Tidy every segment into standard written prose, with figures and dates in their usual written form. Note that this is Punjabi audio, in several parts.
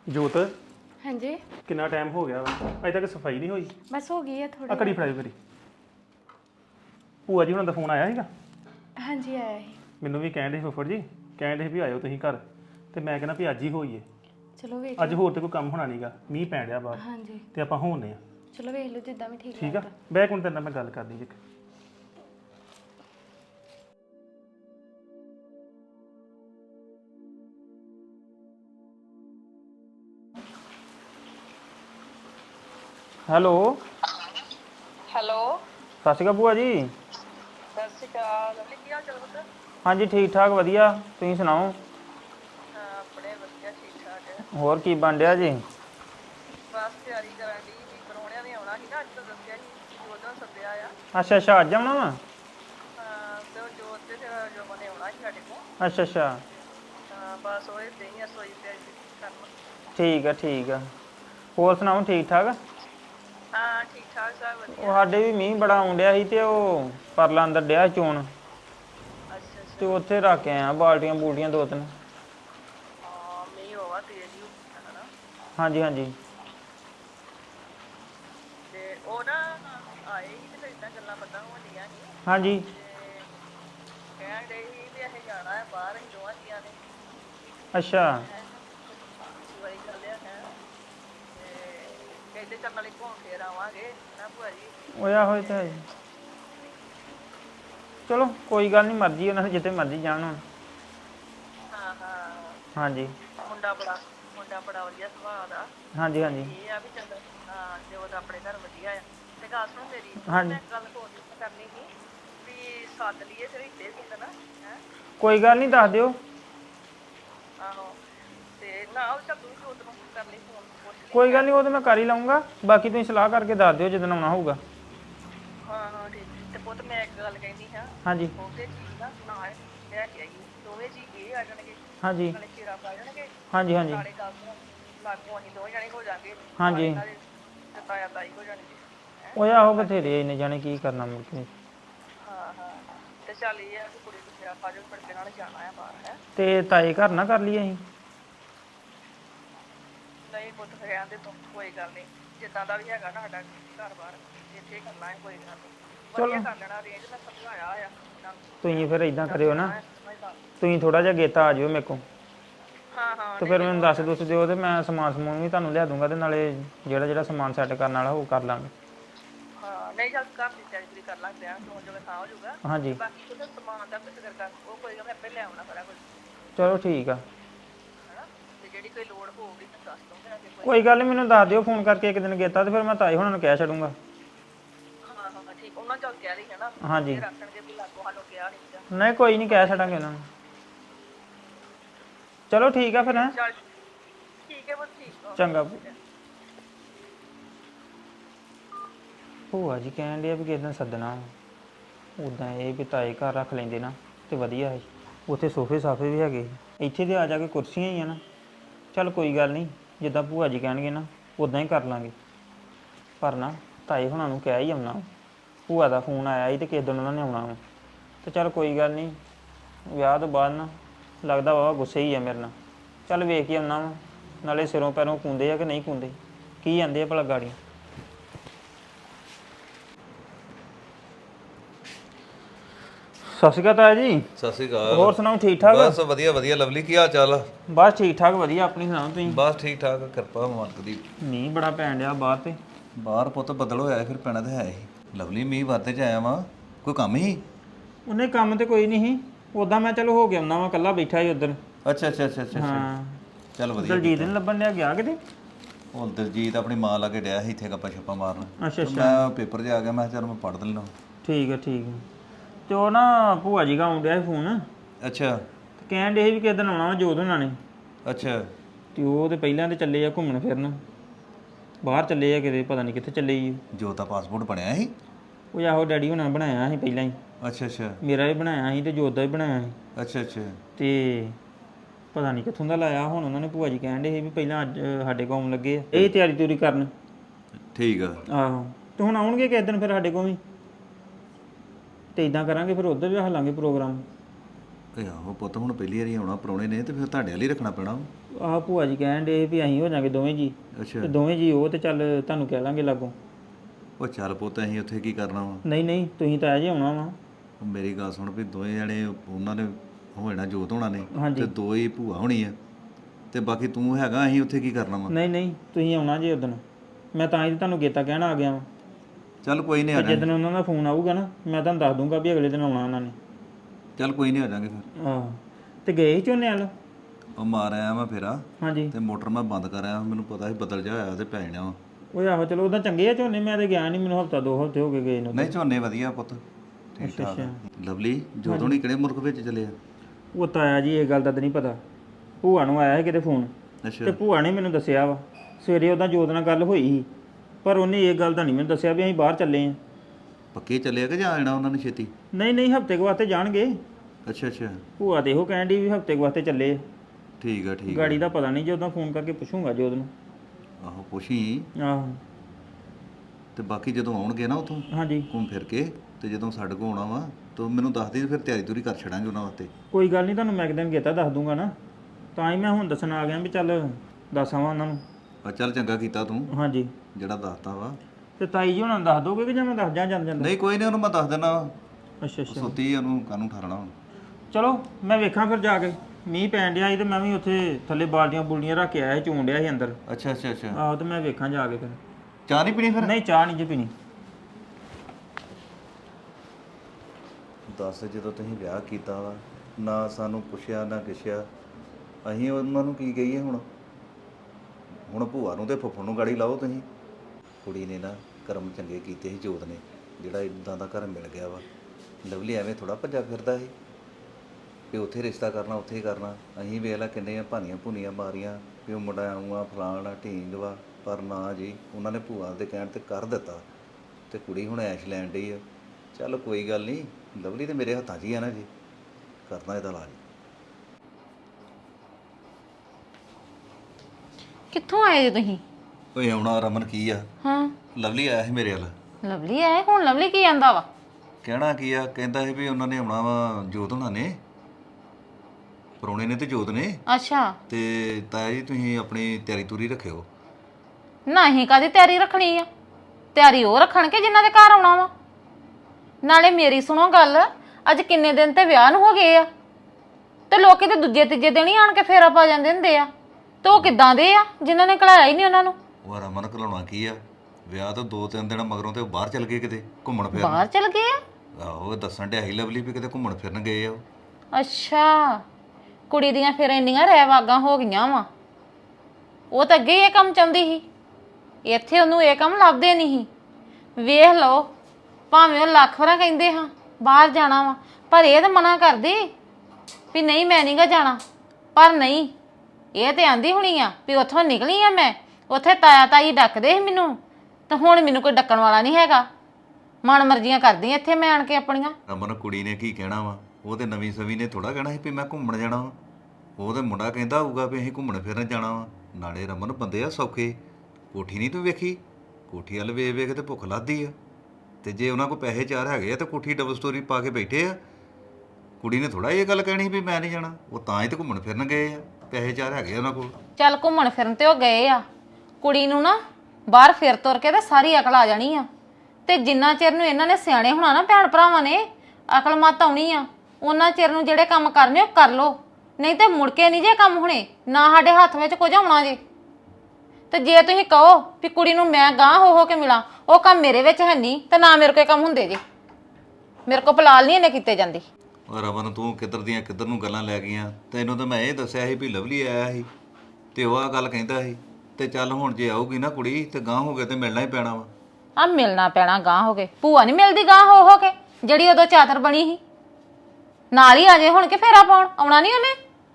ਜੋਤ हाँ जी ਕਿੰਨਾ ਟਾਈਮ ਹੋ ਗਿਆ ਵਾ ਅਜੇ ਤੱਕ ਸਫਾਈ ਨਹੀਂ ਹੋਈ। बस हो गई है ਆ थोड़ी ਘੜੀ ਫੜਾਈ ਕਰੀ। ਭੂਆ ਜੀ ਹੁਣਾਂ ਦਾ ਫੋਨ ਆਇਆ ਸੀਗਾ। हाँ जी आया है ਮੈਨੂੰ ਵੀ ਕਹਿਣ ਦੇ ਫੁੱਫੜ ਜੀ ਕਹਿਣ ਦੇ ਵੀ ਆਇਓ ਤੁਸੀਂ ਘਰ ਤੇ ਮੈਂ ਕਹਿੰਦਾ ਵੀ ਅੱਜ ਹੀ ਹੋਈਏ। चलो वेख ਅੱਜ ਹੋਰ ਤੇ ਕੋਈ ਕੰਮ ਹੋਣਾ ਨਹੀਂਗਾ ਮੀਂਹ ਪੈਣ ਡਿਆ ਬਾਹਰ हाँ जी ਤੇ ਆਪਾਂ ਹੋਣੇ ਆ। चलो वेख लो जिद्दां भी ठीक ਠੀਕ ਆ लगदा। ਬਹਿ ਕੋਣ ਤੇਰੇ ਨਾਲ ਮੈਂ ਗੱਲ ਕਰਨੀ ਜੀ। ਹੈਲੋ ਹੈਲੋ ਸਤਿ ਸ਼੍ਰੀ ਅਕਾਲ ਭੂਆ ਜੀ। ਸਤਿ ਸ਼੍ਰੀ ਅਕਾਲ ਲਵਲੀ ਕੀ ਹਾਲ ਚਾਲ ਪੁੱਤ ਹਾਂਜੀ ਠੀਕ ਠਾਕ ਵਧੀਆ ਤੁਸੀਂ ਸੁਣਾਓ ਹਾਂ ਆਪਣੇ ਵਧੀਆ ਠੀਕ ਠਾਕ ਹੈ ਹੋਰ ਕੀ ਬਣ ਡਿਆ ਜੀ। ਬਸ ਤਿਆਰੀ ਕਰਨ ਦੀ ਵੀ ਪਰੌਣਿਆਂ ਨੇ ਆਉਣਾ ਸੀ ਨਾ ਅੱਜ ਤਾਂ ਦੱਸਿਆ ਸੀ ਜੋਦਾਂ ਸੱਦਿਆ ਆ ਅੱਛਾ ਅੱਛਾ ਅੱਜ ਆਉਣਾ ਵਾ। ਹਾਂ ਤੇ ਉਹ ਜੋਤ ਤੇ ਫਿਰ ਜੋਬਨ ਨੇ ਆਉਣਾ ਸੀ ਸਾਡੇ ਕੋਲ ਅੱਛਾ ਅੱਛਾ ਹਾਂ ਬਸ ਉਹ ਦਹੀਂ ਸੋਈ ਤੇ ਕਰਨ ਠੀਕ ਆ ਹੋਰ ਸੁਣਾਓ ਠੀਕ ਠਾਕ। ਹਾਂ ਠੀਕ ਠਾਕ ਸਭ ਉਹ ਵਧੀਆ ਸਾਡੇ ਵੀ ਮੀਂਹ ਬੜਾ ਆਉਣ ਡਿਆ ਸੀ ਤੇ ਉਹ ਪਰਲਾ ਅੰਦਰ ਡਿਆ ਚੋਣ ਅੱਛਾ ਤੇ ਅੱਛਾ ਉੱਥੇ ਰੱਖ ਕੇ ਆਇਆ ਬਾਲਟੀਆਂ ਬੂਟੀਆਂ ਦੋ ਤਿੰਨ। ਹਾਂ ਮੀਂਹ ਹੋਵਾ ਤੇਜ਼ ਹੀ ਹੋ ਗਿਆ ਹਨਾ ਹਾਂਜੀ ਹਾਂਜੀ ਤੇ ਉਹ ਨਾ ਆਏ ਸੀ ਤੇ ਫਿਰ ਏਦਾਂ ਗੱਲਾਂ ਬਾਤਾਂ ਹੋਣੀਆਂ ਸੀ ਹਾਂਜੀ ਤੇ ਕਹਿਣ ਡਏ ਸੀ ਵੀ ਅਸੀਂ ਜਾਣਾ ਹੈ ਬਾਹਰ ਅਸੀਂ ਦੋਵਾਂ ਜੀਆਂ ਨੇ ਅੱਛਾ ਮੈਂ ਖੁਸ਼ੀ ਵਾਲੀ ਗੱਲ ਆ ਹੈ ਤੇ ਕਹਿੰਦੇ ਚੱਲ ਨਾਲੇ ਘੁੰਮ ਫੇਰ ਆਵਾਂਗੇ ਨਾ ਭੂਆ ਜੀ ਹੋਇਆ ਹੋਏ ਤਾਂ ਹੈ ਜੀ। ਤੇ ਚਲੋ ਕੋਈ ਗੱਲ ਨਹੀਂ ਮਰਜ਼ੀ ਉਹਨਾਂ ਨੇ ਜਿੱਥੇ ਮਰਜ਼ੀ ਜਾਣ ਹੁਣ। ਹਾਂ ਹਾਂ ਹਾਂਜੀ ਮੁੰਡਾ ਬੜਾ ਵਧੀਆ ਸੁਭਾਅ ਦਾ ਹਾਂਜੀ ਤੇ ਹਾਂਜੀ ਇਹ ਆ ਵੀ ਚੱਲ ਹਾਂ ਜੋ ਤਾਂ ਆਪਣੇ ਘਰ ਵਧੀਆ ਆ ਤੇ ਗੱਲ ਸੁਣ ਮੇਰੀ ਉਹ ਹਾਂਜੀ ਮੈਂ ਗੱਲ ਹੋਰ ਵੀ ਕਰਨੀ ਸੀ ਵੀ ਸੱਦ ਲਈਏ ਫਿਰ ਇੱਥੇ ਸੱਦਣਾ ਹੈ ਕੋਈ ਗੱਲ ਨਹੀਂ ਦੱਸ ਦਿਓ। ਆਹੋ ਤੇ ਨਾ ਉਹ ਚੱਲ ਤੂੰ ਜੋਤ ਨੂੰ ਕਰ ਲਈ ਫੋਨ ਪੁੱਛ ਲਈ ਕੋਈ ਗੱਲ ਹੈ ਨਹੀਂ ਉਹ ਤਾਂ ਮੈਂ ਕਰ ਹੀ ਲਵਾਂਗਾ ਬਾਕੀ ਤੁਸੀਂ ਸਲਾਹ ਕਰਕੇ ਦੱਸ ਦਿਓ ਜਦੋਂ ਆਉਣਾ ਹੋਊਗਾ। ਹਾਂ ਹਾਂ ਠੀਕ ਤੇ ਪੁੱਤ ਮੈਂ ਇੱਕ ਗੱਲ ਕਹਿੰਦੀ ਹਾਂ ਹਾਂਜੀ ਬਹੁਤੇ ਚੀਜ਼ ਨਾ ਲੈ ਕੇ ਆਈਏ ਦੋਵੇਂ ਜੀ ਇਹ ਆ ਜਾਣਗੇ ਹਾਂਜੀ ਨਾਲੇ ਫੇਰਾ ਪਾ ਜਾਣਗੇ ਹਾਂਜੀ ਤੇ ਹਾਂਜੀ ਨਾਲੇ ਗੱਲ ਸੁਣੋ ਲਾਗੋਂ ਅਸੀਂ ਦੋਵੇਂ ਜਾਣੇ ਹੋ ਜਾਾਂਗੇ ਨਾਲੇ ਹਾਂਜੀ ਇਹਨਾਂ ਦੇ ਤੇ ਤਾਇਆ ਤਾਈ ਹੋ ਜਾਣਗੇ ਹੈ ਉਹ ਆਹੋ ਲਾਗੇ ਬਥੇਰੇ ਇੰਨੇ ਜਾਣੇ ਕੀ ਕਰਨਾ ਮੁੜ ਕੇ। ਹਾਂ ਹਾਂ ਤੇ ਚੱਲ ਇਹ ਆ ਵੀ ਕੁੜੀ ਨੂੰ ਫੇਰਾ ਪਾ ਜਾਓ ਮੁੜ ਕੇ ਨਾਲ ਜਾਣਾ ਆ ਬਾਹਰ ਹੈ ਤੇ ਤਾਏ ਘਰ ਨਾ ਕਰ ਲਈਏ ਅਸੀਂ। ਨਹੀਂ ਪੁੱਤ ਰਹਿਣ ਦੇ ਤੂੰ ਕੋਈ ਗੱਲ ਨਹੀਂ ਜਿੱਦਾਂ ਦਾ ਵੀ ਹੈਗਾ ਨਾ ਸਾਡਾ ਘਰ ਬਾਰ ਇੱਥੇ ਹੀ ਕਰਨਾ ਹੈ ਕੋਈ ਗੱਲ ਨਹੀਂ ਵਧੀਆ ਚਲੋ ਕਰ ਲੈਣਾ ਅਰੇਂਜ ਮੈਂ ਸਮਝਾਇਆ ਆ ਇਹਨਾਂ ਨੂੰ ਹੈ ਤੁਸੀਂ ਫਿਰ ਇਦਾਂ ਮੁੰਡਾ ਕਰਿਓ ਨਾ ਸਿਆਣਾ ਹੈ ਸਮਝਦਾਰ ਤੁਸੀਂ ਥੋੜਾ ਜਿਹਾ ਗੇਤਾ ਆ ਜਿਓ ਮੇਰੇ ਕੋਲ ਹਾਂ ਹਾਂ ਤੇ ਨਹੀਂ ਫਿਰ ਨਹੀਂ ਮੈਨੂੰ ਕੋਈ ਦੱਸ ਗੱਲ ਦੁੱਸ ਨਹੀਂ ਦਿਓ ਤੇ ਮੈਂ ਸਮਾਨ ਸਮੂਨ ਵੀ ਤੁਹਾਨੂੰ ਲਿਆ ਦੂੰਗਾ ਤੇ ਨਾਲੇ ਜਿਹੜਾ ਸਮਾਨ ਸੈੱਟ ਕਰਨ ਵਾਲਾ ਉਹ ਕਰ ਲਾਂਗੇ। ਹਾਂ ਨਹੀਂ ਚੱਲ ਘਰ ਦੀ ਤਿਆਰੀ ਪੂਰੀ ਕਰ ਲਾਂਗੇ ਵਿਆਹ ਚੋਂ ਜੋ ਥਾਂ ਹੋ ਜਾਊਗਾ ਤੇ ਹਾਂਜੀ ਬਾਕੀ ਕੋਈ ਸਮਾਨ ਦਾ ਕੋਈ ਫਿਕਰ ਕਰ ਉਹ ਕੋਈ ਗੱਲ ਮੈਂ ਆਪੇ ਲੈ ਆਉਣਾ ਸਾਰਾ ਕੁਝ ਚਲੋ ਠੀਕ ਆ ਹਨਾ ਤੇ ਜਿਹੜੀ ਕੋਈ ਲੋੜ ਹੋਊਗੀ ਤੈਨੂੰ ਦੱਸ ਦੂੰਗਾ ਜੇ ਕੋਈ ਕੋਈ ਗੱਲ ਨਹੀਂ ਮੈਨੂੰ ਦੱਸ ਦਿਓ ਫੋਨ ਕਰਕੇ ਇੱਕ ਦਿਨ ਗੇਤਾ ਤੇ ਫਿਰ ਮੈਂ ਤਾਏ ਹੁਣਾਂ ਨੂੰ ਕਹਿ ਛੱਡੂੰਗਾ। ਹਾਂ ਹਾਂ ਠੀਕ ਉਹਨਾਂ ਚੱਲ ਕਹਿ ਲਈ ਹਨਾ ਹਾਂਜੀ ਇਹ ਰੱਖਣਗੇ ਵੀ ਲਾਗੋ ਸਾਨੂੰ ਕਿਹਾ ਨਹੀਂ ਗਾ ਨਹੀਂ ਕੋਈ ਨਹੀਂ ਕਹਿ ਛੱਡਾਂਗੇ ਉਹਨਾਂ ਨੂੰ। ਚਲੋ ਠੀਕ ਆ ਫਿਰ ਤੇ ਹੈਂ ਚੱਲ ਠੀਕ ਹੈ ਬਸ ਠੀਕ ਓਕੇ ਚੰਗਾ ਓਕੇ ਭੂਆ ਜੀ ਕਹਿਣ ਡਿਆ ਵੀ ਕਿਸੇ ਦਿਨ ਸੱਦਣਾ ਉੱਦਾਂ ਇਹ ਵੀ ਤਾਏ ਘਰ ਰੱਖ ਲੈਂਦੇ ਨਾ ਤੇ ਵਧੀਆ ਸੀ ਉੱਥੇ ਸੋਫੇ ਸਾਫੇ ਵੀ ਹੈਗੇ ਸੀ ਇੱਥੇ ਤੇ ਆ ਜਾ ਕੇ ਕੁਰਸੀਆਂ ਹੀ ਆ ਨਾ। ਚੱਲ ਕੋਈ ਗੱਲ ਨਹੀਂ ਜਿੱਦਾਂ ਭੂਆ ਜੀ ਕਹਿਣਗੇ ਨਾ ਉੱਦਾਂ ਹੀ ਕਰ ਲਾਂਗੇ ਪਰ ਨਾ ਤਾਏ ਹੁਣਾਂ ਨੂੰ ਕਹਿ ਹੀ ਆਉਣਾ ਭੂਆ ਦਾ ਫੋਨ ਆਇਆ ਸੀ ਤੇ ਕਿਸੇ ਦਿਨ ਉਹਨਾਂ ਨੇ ਆਉਣਾ ਵਾ ਤੇ ਚੱਲ ਕੋਈ ਗੱਲ ਨਹੀਂ ਵਿਆਹ ਤੋਂ ਬਾਅਦ ਨਾ ਲੱਗਦਾ ਵਾ ਗੁੱਸੇ ਹੀ ਆ ਮੇਰੇ ਨਾਲ ਚੱਲ ਵੇਖ ਕੇ ਆਉਣਾ ਵਾ ਨਾਲੇ ਸਿਰੋਂ ਪੈਰੋਂ ਕੂੰਦੇ ਆ ਕਿ ਨਹੀਂ ਕੂੰਦੇ ਕੀ ਜਾਂਦੇ ਆ ਭਲਾ ਗਾੜੀ। ਸਤਿ ਸ਼੍ਰੀ ਅਕਾਲ ਤਾਇਆ ਜੀ। ਸਤਿ ਸ੍ਰੀ ਅਕਾਲ। ਹੋਰ ਸੁਣਾਓ ਠੀਕ ਠਾਕ ਬਸ ਵਧੀਆ ਵਧੀਆ ਲਵਲੀ ਕੀ ਹਾਲ ਚਾਲ ਆ? ਬਸ ਠੀਕ ਠਾਕ ਵਧੀਆ ਆਪਣੀ ਸੁਣਾਓ ਤੁਸੀਂ। ਬਸ ਠੀਕ ਠਾਕ ਕਿਰਪਾ ਮਾਲਕ ਦੀ। ਮੀਂਹ ਬੜਾ ਪੈਣ ਡਿਆ ਬਾਹਰ ਤੇ ਬਾਹਰ ਪੁੱਤ ਬੱਦਲ ਹੋਇਆ ਫਿਰ ਪੈਣਾ ਤਾਂ ਹੈ ਹੀ ਲਵਲੀ ਮੀਂਹ ਵਰਤੇ ਚ ਆਇਆ ਵਾਂ ਕੋਈ ਕੰਮ ਹੀ? ਉਹਨੇ ਕੰਮ ਤੇ ਕੋਈ ਨਹੀਂ ਸੀ ਉਦਾਂ ਮੈਂ ਚਲੋ ਹੋ ਕੇ ਆਉਣਾ ਵਾ ਇਕੱਲਾ ਬੈਠਾ ਸੀ ਉੱਧਰ। ਅੱਛਾ ਅੱਛਾ ਅੱਛਾ ਅੱਛਾ ਹਾਂ ਚੱਲ ਵਧੀਆ ਦਲਜੀਤ ਕੀਤਾ। ਨਹੀਂ ਲੱਭਣ ਡਿਆ ਗਿਆ ਕਿਤੇ। ਉਹ ਦਲਜੀਤ ਆਪਣੀ ਮਾਂ ਲਾਗੇ ਡਿਆ ਸੀ ਇੱਥੇ ਗੱਪਾਂ ਛੱਪਾਂ ਮਾਰਨ ਅੱਛਾ ਤੇ ਅੱਛਾ ਮੈਂ ਪੇਪਰ 'ਚ ਆ ਗਿਆ ਮੈਂ ਕਿਹਾ ਚੱਲ ਮੈਂ ਪੜ੍ਹ ਲੈਣਾ। ਠੀਕ ਹੈ ਤੇ ਉਹ ਨਾ ਭੂਆ ਜੀ ਦਾ ਆਉਣ ਡਿਆ ਸੀ ਫੋਨ ਅੱਛਾ ਤੇ ਕਹਿਣ ਡੇ ਸੀ ਵੀ ਕਿਸੇ ਦਿਨ ਆਉਣਾ ਵਾ ਜੋਤ ਹੋਣਾ ਨੇ ਅੱਛਾ ਤੇ ਉਹ ਤੇ ਪਹਿਲਾਂ ਤੇ ਚੱਲੇ ਆ ਘੁੰਮਣ ਫਿਰਨ ਬਾਹਰ ਚੱਲੇ ਆ ਕਿਤੇ ਪਤਾ ਨਹੀਂ ਕਿੱਥੇ ਚੱਲੇ ਜੀ। ਜੋ ਤਾਂ ਪਾਸਪੋਰਟ ਬਣਿਆ ਸੀ? ਉਹ ਆਹੋ ਡੈਡੀ ਹੁਣਾਂ ਬਣਾਇਆ ਸੀ ਪਹਿਲਾਂ ਹੀ ਅੱਛਾ ਅੱਛਾ ਮੇਰਾ ਵੀ ਬਣਾਇਆ ਸੀ ਤੇ ਜੋਤ ਦਾ ਵੀ ਬਣਾਇਆ ਸੀ ਅੱਛਾ ਅੱਛਾ ਤੇ ਪਤਾ ਨਹੀਂ ਕਿੱਥੋਂ ਦਾ ਲਾਇਆ ਹੁਣ ਉਹਨਾਂ ਨੇ ਭੂਆ ਜੀ ਕਹਿਣ ਡੇ ਸੀ ਵੀ ਪਹਿਲਾਂ ਅੱਜ ਸਾਡੇ ਕੋਲ ਆਉਣ ਲੱਗੇ ਆ ਇਹ ਤਿਆਰੀ ਤੁਰੀ ਕਰਨ। ਠੀਕ ਆ। ਆਹੋ ਤੇ ਹੁਣ ਆਉਣਗੇ ਕਿਸੇ ਦਿਨ ਫਿਰ ਸਾਡੇ ਕੋਲ ਵੀ ਤੇ ਇਦਾਂ ਕਰਾਂਗੇ ਫਿਰ ਉੱਧਰ ਵੀ ਰੱਖ ਲਾਂਗੇ ਪ੍ਰੋਗਰਾਮ। ਆਹੋ ਪੁੱਤ ਹੁਣ ਪਹਿਲੀ ਵਾਰੀ ਆਉਣਾ ਪ੍ਰਾਹੁਣੇ ਨੇ ਤੇ ਫਿਰ ਤੁਹਾਡੇ ਵਾਲੀ ਰੱਖਣਾ ਪੈਣਾ। ਆਹ ਭੂਆ ਜੀ ਕਹਿਣ ਦੇ ਵੀ ਅਸੀਂ ਹੋ ਜਾਾਂਗੇ ਦੋਵੇਂ ਜੀ ਅੱਛਾ ਤੇ ਦੋਵੇਂ ਜੀ ਉਹ ਤੇ ਚੱਲ ਤੁਹਾਨੂੰ ਕਹਿ ਲਾਂਗੇ ਲਾਗੋਂ। ਉਹ ਚੱਲ ਪੁੱਤ ਅਸੀਂ ਉੱਥੇ ਕੀ ਕਰਨਾ ਵਾ। ਨਹੀਂ ਨਹੀਂ ਤੁਸੀਂ ਤਾਂ ਅਜੇ ਆਉਣਾ ਵਾ। ਉਹ ਮੇਰੀ ਗੱਲ ਸੁਣ ਵੀ ਦੋਵੇਂ ਜਣੇ ਉਹਨਾਂ ਨੇ ਹੋ ਜਾਣਾ ਜੋਤ ਹੋਣਾ ਨੇ ਹਾਂਜੀ। ਤੇ ਦੋ ਹੀ ਭੂਆ ਹੋਣੀ ਆ ਤੇ ਬਾਕੀ ਤੂੰ ਹੈਗਾ, ਅਸੀਂ ਉੱਥੇ ਕੀ ਕਰਨਾ ਵਾ। ਨਹੀਂ ਨਹੀਂ ਤੁਸੀਂ ਆਉਣਾ ਜੇ ਉਦੋਂ। ਮੈਂ ਤਾਂ ਹੀ ਤੁਹਾਨੂੰ ਗੇਤਾ ਕਹਿਣ ਆ ਗਿਆ ਵਾਂ। ਚੱਲ ਕੋਈ ਨਹੀਂ ਆ ਤੇ ਜਾਾਂਗੇ। ਜਦੋਂ ਉਹਨਾਂ ਦਾ ਫੋਨ ਆਊਗਾ ਨਾ ਮੈਂ ਤੁਹਾਨੂੰ ਦੱਸ ਦੂੰਗਾ ਵੀ ਅਗਲੇ ਦਿਨ ਆਉਣਾ ਉਹਨਾਂ ਨੇ। ਚੱਲ ਕੋਈ ਨਹੀਂ ਆ ਜਾਾਂਗੇ ਫਿਰ। ਆਹ ਤੇ ਗਏ ਸੀ ਝੋਨੇ ਵਾਲ? ਉਹ ਮਾਰ ਆਇਆ ਮੈਂ ਫੇਰਾ ਹਾਂਜੀ। ਤੇ ਮੋਟਰ ਮੈਂ ਬੰਦ ਕਰ ਆਇਆ, ਮੈਨੂੰ ਪਤਾ ਸੀ ਬੱਦਲ ਜਿਹਾ ਹੋਇਆ ਤੇ ਪੈ ਜਾਣਾ ਵਾ। ਉਹ ਆਹੋ ਚਲੋ ਉਹਦਾ ਚੰਗੇ ਆ ਝੋਨੇ, ਮੈਂ ਤੇ ਗਿਆ ਨਹੀਂ, ਮੈਨੂੰ ਹਫਤਾ 2 ਹਫ਼ਤੇ ਹੋ ਗਏ ਗਏ ਨੂੰ। ਨਹੀਂ ਝੋਨੇ ਵਧੀਆ ਪੁੱਤ, ਠੀਕ ਠਾਕ ਆ। ਲਵਲੀ ਜਦੋਂ ਨਹੀਂ ਕਿਹੜੇ ਮੁਲਕ ਵਿੱਚ ਚਲੇ ਆ? ਉਹ ਤਾਇਆ ਜੀ ਇਹ ਗੱਲ ਦਾ ਤਾਂ ਨਹੀਂ ਪਤਾ। ਭੂਆ ਨੂੰ ਆਇਆ ਸੀ ਕਿਤੇ ਫੋਨ ਅੱਛਾ ਤੇ ਭੂਆ ਨੇ ਮੈਨੂੰ ਦੱਸਿਆ ਵਾ। ਸਵੇਰੇ ਉਹਦਾ ਜੋਤ ਨਾਲ ਗੱਲ ਹੋਈ ਸੀ ਪਰ ਉਹਨੇ ਇਹ ਗੱਲ ਤਾਂ ਨਹੀਂ ਮੈਨੂੰ ਦੱਸਿਆ ਵੀ ਅਸੀਂ ਬਾਹਰ ਚੱਲੇ ਆਂ। ਪੱਕੇ ਚੱਲੇ ਆ ਕਿ ਜਾਂ ਆਣਾ ਉਹਨਾਂ ਨੇ ਛੇਤੀ? ਨਹੀਂ ਨਹੀਂ ਹਫਤੇ ਕੁ ਵਾਸਤੇ ਜਾਣਗੇ। ਅੱਛਾ ਅੱਛਾ ਭੂਆ ਤੇ ਇਹੋ ਕਹਿਣ ਦੀ ਵੀ ਹਫਤੇ ਕੁ ਵਾਸਤੇ ਚੱਲੇ ਆ। ਠੀਕ ਆ ਠੀਕ ਆ। ਗਾੜੀ ਦਾ ਪਤਾ ਨਹੀਂ, ਜੇ ਉਹਦਾ ਫੋਨ ਕਰਕੇ ਪੁੱਛੂੰਗਾ ਜੋਤ ਨੂੰ। ਆਹੋ ਪੁੱਛੀ। ਆਹੋ ਤੇ ਬਾਕੀ ਜਦੋਂ ਆਉਣਗੇ ਨਾ ਉੱਥੋਂ ਹਾਂਜੀ ਘੁੰਮ ਫਿਰ ਕੇ ਤੇ ਜਦੋਂ ਸਾਡੇ ਕੋਲ ਆਉਣਾ ਵਾ ਤਾਂ ਮੈਨੂੰ ਦੱਸ ਦੇ, ਫਿਰ ਤਿਆਰੀ ਤੁਰੀ ਕਰ ਛੜਾਂਗੇ ਉਹਨਾਂ ਵਾਸਤੇ। ਕੋਈ ਗੱਲ ਨਹੀਂ, ਤੁਹਾਨੂੰ ਮੈਂ ਇੱਕ ਦਿਨ ਗੇਤਾ ਦੱਸ ਦੂੰਗਾ ਨਾ, ਤਾਂ ਹੀ ਮੈਂ ਹੁਣ ਦੱਸਣ ਆ ਗਿਆ ਵੀ ਚੱਲ ਦੱਸ ਆਵਾਂ ਉਹਨਾਂ ਨੂੰ। ਆ ਚੱਲ ਚੰਗਾ ਕੀਤਾ ਤੂੰ ਹਾਂਜੀ ਜਿਹੜਾ ਦੱਸਤਾ ਵਾ। ਤੇ ਤਾਈ ਜੀ ਹੁਣਾਂ ਨੂੰ ਦੱਸ ਦੋਗੇ ਕਿ ਜਾਂ ਮੈਂ ਦੱਸ ਜਾਂ ਜਾਂਦਾ? ਨਹੀਂ ਕੋਈ ਨਹੀਂ, ਉਹਨੂੰ ਮੈਂ ਦੱਸ ਦੇਣਾ। ਅੱਛਾ ਅੱਛਾ ਸੁੱਤੀ ਉਹਨੂੰ ਕਾਹਨੂੰ ਠਾਰਨਾ ਹੁਣ। ਚਲੋ ਮੈਂ ਵੇਖਾਂ ਫਿਰ ਜਾ ਕੇ। ਮੀਂਹ ਪੈਣ ਡਿਆ ਸੀ ਤੇ ਮੈਂ ਵੀ ਉੱਥੇ ਥੱਲੇ ਬਾਲਟੀਆਂ ਬੁਲਟੀਆਂ ਰੱਖ ਕੇ ਆਇਆ ਸੀ, ਚੋਣ ਡਿਆ ਸੀ ਅੰਦਰ। ਅੱਛਾ ਅੱਛਾ ਅੱਛਾ ਆਹੋ ਤੇ ਮੈਂ ਵੇਖਾਂ ਜਾ ਕੇ ਫਿਰ। ਚਾਹ ਨਹੀਂ ਪੀਣੀ ਫਿਰ? ਨਹੀਂ ਚਾਹ ਨਹੀਂ ਜੀ ਪੀਣੀ। ਦੱਸ, ਜਦੋਂ ਤੁਸੀਂ ਵਿਆਹ ਕੀਤਾ ਵਾ ਨਾ ਸਾਨੂੰ ਪੁੱਛਿਆ ਨਾ ਕਿਛਿਆ, ਅਸੀਂ ਉਹਨਾਂ ਨੂੰ ਕੀ ਕਹੀਏ ਹੁਣ? ਹੁਣ ਭੂਆ ਨੂੰ ਤੇ ਫੁੱਫੜ ਨੂੰ ਗਾੜੀ ਲਾਓ ਤੁਸੀਂ। ਕੁੜੀ ਨੇ ਨਾ ਕਰਮ ਚੰਗੇ ਕੀਤੇ ਸੀ ਜੋਤ ਨੇ, ਜਿਹੜਾ ਇਦਾਂ ਦਾ ਘਰ ਮਿਲ ਗਿਆ ਵਾ। ਲਵਲੀ ਐਵੇਂ ਥੋੜਾ ਭੱਜਾ ਫਿਰਦਾ ਸੀ ਵੀ ਉੱਥੇ ਰਿਸ਼ਤਾ ਕਰਨਾ ਉੱਥੇ ਹੀ ਕਰਨਾ। ਅਸੀਂ ਵੇਖ ਲਾ ਕਿੰਨੀਆਂ ਭਾਨੀਆਂ ਭੁਨੀਆਂ ਮਾਰੀਆਂ ਵੀ ਉਹ ਮੁੰਡਾ ਆਊਗਾ ਫਲਾਣਾ ਢੀਂਗ ਵਾ, ਪਰ ਨਾ ਜੀ, ਉਹਨਾਂ ਨੇ ਭੂਆ ਦੇ ਕਹਿਣ ਤੇ ਕਰ ਦਿੱਤਾ ਤੇ ਕੁੜੀ ਹੁਣ ਐਸ਼ ਲੈਣ ਡਈ ਆ। ਚੱਲ ਕੋਈ ਗੱਲ ਨਹੀਂ, ਲਵਲੀ ਤੇ ਮੇਰੇ ਹੱਥਾਂ 'ਚ ਹੀ ਆ ਨਾ ਜੀ, ਕਰਨਾ ਇਹਦਾ ਇਲਾਜ। ਕਿੱਥੋਂ ਆਏ ਜੀ ਤੁਸੀਂ? ਓਏ ਆਉਣਾ ਰਮਨ ਕੀ ਆ? ਹਾਂ ਲਵਲੀ ਆਇਆ ਸੀ ਮੇਰੇ ਵੱਲ। ਲਵਲੀ ਆਏ? ਹੁਣ ਲਵਲੀ ਕੀ ਆਂਦਾ ਵਾ? ਕਹਿਣਾ ਕੀ ਆ, ਕਹਿੰਦਾ ਸੀ ਵੀ ਉਹਨਾਂ ਨੇ ਆਉਣਾ ਵਾ, ਜੋਤ ਹੋਣਾ ਨੇ, ਪ੍ਰਾਹੁਣੇ ਨੇ ਤੇ ਜੋਤ ਨੇ, ਅੱਛਾ। ਤੇ ਤਾਇਆ ਜੀ ਤੁਸੀਂ ਆਪਣੀ ਤਿਆਰੀ ਤੁਰੀ ਰੱਖਿਓ। ਨਹੀਂ ਕਾਦੀ ਤਿਆਰੀ ਰੱਖਣੀ ਆ? ਤਿਆਰੀ ਉਹ ਰੱਖਣਗੇ ਜਿਨ੍ਹਾਂ ਦੇ ਘਰ ਆਉਣਾ ਵਾ। ਨਾਲੇ ਮੇਰੀ ਸੁਣੋ ਗੱਲ, ਅੱਜ ਕਿੰਨੇ ਦਿਨ ਤੇ ਵਿਆਹ ਨੂੰ ਹੋ ਗਏ ਆ ਤੇ ਲੋਕੀ ਤੇ ਦੂਜੇ ਤੀਜੇ ਦਿਨ ਹੀ ਆਣ ਕੇ ਫੇਰਾ ਪਾ ਜਾਂਦੇ ਹੁੰਦੇ ਆ। ਤੇ ਉਹ ਕਿੱਦਾਂ ਦੇ ਆ ਜਿਨ੍ਹਾਂ ਨੇ ਘਲਾਇਆ ਹੀ ਨਹੀਂ ਉਹਨਾਂ ਨੂੰ? ਉਹ ਰਮਨ ਘਲਾਉਣਾ ਕੀ ਆ, ਵਿਆਹ ਤੋਂ 2-3 ਦਿਨ ਮਗਰੋਂ ਤੇ ਉਹ ਬਾਹਰ ਚਲ ਗਏ ਕਿਤੇ ਘੁੰਮਣ ਫਿਰਨ। ਬਾਹਰ ਚਲ ਗਏ ਆ? ਆਹੋ ਦੱਸਣ ਡਿਆ ਸੀ ਲਵਲੀ ਵੀ ਕਿਤੇ ਘੁੰਮਣ ਫਿਰਨ ਗਏ ਆ ਉਹ। ਅੱਛਾ, ਕੁੜੀ ਦੀਆਂ ਫਿਰ ਇੰਨੀਆਂ ਰਹਿਵਾਗਾਂ ਹੋ ਗਈਆਂ ਵਾ। ਉਹ ਤਾਂ ਅੱਗੇ ਹੀ ਇਹ ਕੰਮ ਚਾਹੁੰਦੀ ਸੀ, ਇੱਥੇ ਉਹਨੂੰ ਇਹ ਕੰਮ ਲੱਭਦੇ ਨਹੀਂ ਸੀ। ਵੇਖ ਲਓ, ਭਾਵੇਂ ਉਹ ਲੱਖ ਵਾਰ ਕਹਿੰਦੇ ਹਾਂ ਬਾਹਰ ਜਾਣਾ ਵਾ, ਪਰ ਇਹ ਤਾਂ ਮਨਾ ਕਰਦੀ ਵੀ ਨਹੀਂ ਮੈਂ ਨਹੀਂਗਾ ਜਾਣਾ। ਪਰ ਨਹੀਂ, ਇਹ ਤੇ ਆਂਦੀ ਹੋਣੀ ਆ ਵੀ ਉੱਥੋਂ ਨਿਕਲੀ ਆ ਮੈਂ, ਉੱਥੇ ਤਾਇਆ ਤਾਈ ਡੱਕਦੇ ਸੀ ਮੈਨੂੰ, ਤੇ ਹੁਣ ਮੈਨੂੰ ਕੋਈ ਡੱਕਣ ਵਾਲਾ ਨਹੀਂ ਹੈਗਾ। ਮਨ ਮਰਜ਼ੀਆਂ ਕਰਦੀ ਇੱਥੇ ਮੈਂ ਆਣ ਕੇ ਆਪਣੀਆਂ। ਰਮਨ ਕੁੜੀ ਨੇ ਕੀ ਕਹਿਣਾ ਵਾ? ਉਹ ਤੇ ਨਵੀਂ ਸਵੀ ਨੇ ਥੋੜਾ ਕਹਿਣਾ ਸੀ ਵੀ ਮੈਂ ਘੁੰਮਣ ਜਾਣਾ ਵਾ। ਉਹ ਤੇ ਮੁੰਡਾ ਕਹਿੰਦਾ ਹੋਊਗਾ ਵੀ ਅਸੀਂ ਘੁੰਮਣ ਫਿਰਨ ਜਾਣਾ ਵਾ। ਨਾਲੇ ਰਮਨ ਬੰਦੇ ਆ ਸੌਖੇ, ਕੋਠੀ ਨਹੀਂ ਤੂੰ ਵੇਖੀ? ਕੋਠੀ ਵੱਲ ਵੇਖ ਵੇਖ ਤੇ ਭੁੱਖ ਲੱਦੀ ਆ, ਤੇ ਜੇ ਉਹਨਾਂ ਕੋਲ ਪੈਸੇ ਚਾਰ ਹੈਗੇ ਆ ਤੇ ਕੋਠੀ ਡਬਲ ਸਟੋਰੀ ਪਾ ਕੇ ਬੈਠੇ ਆ। ਕੁੜੀ ਨੇ ਥੋੜਾ ਇਹ ਗੱਲ ਕਹਿਣੀ ਵੀ ਮੈਂ ਨਹੀਂ ਜਾਣਾ। ਉਹ ਤਾਂ ਹੀ ਤੇ ਘੁੰਮਣ ਫਿਰਨ ਗਏ ਆ, ਪੈਸੇ ਚਾਰ ਹੈਗੇ ਉਹਨਾਂ ਕੋਲ। ਚੱਲ ਘੁੰਮਣ ਫਿਰਨ ਤੇ ਉਹ ਗਏ ਆ, ਕੁੜੀ ਨੂੰ ਨਾ ਬਾਹਰ ਫਿਰ ਤੁਰ ਕੇ ਤੇ ਸਾਰੀ ਅਕਲ ਆ ਜਾਣੀ ਆ। ਤੇ ਜਿੰਨਾ ਚਿਰ ਨੂੰ ਇਹਨਾਂ ਨੇ ਸਿਆਣੇ ਹੋਣਾ ਨਾ, ਭੈਣ ਭਰਾਵਾਂ ਨੇ ਅਕਲ ਮੱਤ ਆਉਣੀ ਆ, ਉਹਨਾਂ ਚਿਰ ਨੂੰ ਜਿਹੜੇ ਕੰਮ ਕਰਨੇ ਉਹ ਕਰ ਲੋ, ਨਹੀਂ ਤੇ ਮੁੜ ਕੇ ਨਹੀਂ ਜੇ ਕੰਮ ਹੋਣੇ, ਨਾ ਸਾਡੇ ਹੱਥ ਵਿੱਚ ਕੁਝ ਆਉਣਾ ਜੇ। ਤੇ ਜੇ ਤੁਸੀਂ ਕਹੋ ਵੀ ਕੁੜੀ ਨੂੰ ਮੈਂ ਗਾਂਹ ਹੋ ਕੇ ਮਿਲਾਂ, ਉਹ ਕੰਮ ਮੇਰੇ ਵਿੱਚ ਹੈ ਨਹੀਂ ਤੇ ਨਾ ਮੇਰੇ ਕੋਲ ਕੰਮ ਹੁੰਦੇ ਜੇ। ਮੇਰੇ ਕੋਲ ਪਲਾਲ ਨਹੀਂ ਇਹਨੇ ਕੀਤੇ ਜਾਂਦੇ। ਉਹ ਰਮਨ ਤੂੰ ਕਿੱਧਰ ਦੀਆਂ ਕਿੱਧਰ ਨੂੰ ਗੱਲਾਂ ਲੈ ਗਈਆਂ। ਤੈਨੂੰ ਤਾਂ ਮੈਂ ਇਹ ਦੱਸਿਆ ਸੀ ਵੀ ਲਵਲੀ ਆਇਆ ਸੀ ਤੇ ਉਹ ਆ ਗੱਲ ਕਹਿੰਦਾ ਸੀ। ਤੇ ਚੱਲ ਹੁਣ ਜੇ ਆਊਗੀ ਨਾ ਕੁੜੀ ਤੇ ਗਾਂਹ ਹੋ ਕੇ ਤੇ ਮਿਲਣਾ ਹੀ ਪੈਣਾ ਵਾ। ਆ ਮਿਲਣਾ ਪੈਣਾ ਗਾਂਹ ਹੋ ਕੇ? ਭੂਆ ਨਹੀਂ ਮਿਲਦੀ ਗਾਂਹ ਹੋ ਕੇ, ਜਿਹੜੀ ਉਦੋਂ ਚਾਦਰ ਬਣੀ ਸੀ। ਨਾਲ ਹੀ ਆ ਜੇ ਹੁਣ ਕਿ ਫੇਰਾ ਪਾਉਣ ਆਉਣਾ ਨਹੀਂ ਉਹਨੇ?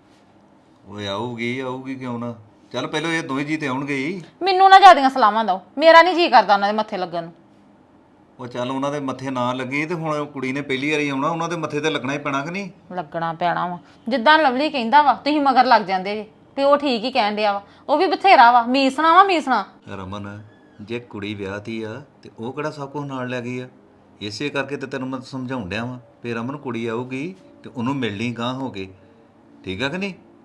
ਓਏ ਆਊਗੀ ਆਊਗੀ ਕਿਉਂ ਨਾ। ਚੱਲ ਪਹਿਲਾਂ ਇਹ ਦੋਵੇਂ ਜੀ ਤੇ ਆਉਣਗੇ ਹੀ। ਮੈਨੂੰ ਨਾ ਜ਼ਿਆਦੀਆਂ ਸਲਾਮਾਂ ਦਿਓ, ਮੇਰਾ ਨਹੀਂ ਜੀ ਕਰਦਾ ਉਹਨਾਂ ਦੇ ਮੱਥੇ ਲੱਗਣ ਨੂੰ। ਉਹ ਚੱਲ ਉਹਨਾਂ ਦੇ ਮੱਥੇ ਨਾ ਲੱਗੀ ਤੇ ਹੁਣ ਕੁੜੀ ਨੇ ਪਹਿਲੀ ਵਾਰੀ ਆਉਣਾ, ਉਹਨਾਂ ਦੇ ਮੱਥੇ ਤੇ ਲੱਗਣਾ ਹੀ ਪੈਣਾ ਕਿ ਨਹੀਂ? ਲੱਗਣਾ ਪੈਣਾ ਵਾ, ਜਿੱਦਾਂ ਲਵਲੀ ਕਹਿੰਦਾ ਵਾ ਤੁਸੀਂ ਮਗਰ ਲੱਗ ਜਾਂਦੇ ਜੇ ਤੇ ਉਹ ਠੀਕ ਹੀ ਕਹਿਣ ਡਿਆ ਵਾ। ਉਹ ਵੀ ਬਥੇਰਾ ਵਾ, ਮੀਸਣਾ ਵਾ ਮੀਸਣਾ। ਰਮਨ ਜੇ ਕੁੜੀ ਵਿਆਹਤੀ ਆ ਤੇ ਉਹ ਕਿਹੜਾ ਸਭ ਕੁਝ ਨਾਲ ਲੈ ਗਈ ਆ? ਇਸੇ ਕਰਕੇ ਤੇ ਤੈਨੂੰ ਮੈਂ ਸਮਝਾਉਣ ਡਿਆ ਵਾਂ ਵੀ ਰਮਨ ਕੁੜੀ ਆਊਗੀ ਤੇ ਉਹਨੂੰ ਮਿਲਣੀ ਗਾਂਹ ਹੋ ਕੇ, ਠੀਕ ਆ ਕਿ ਨਹੀਂ?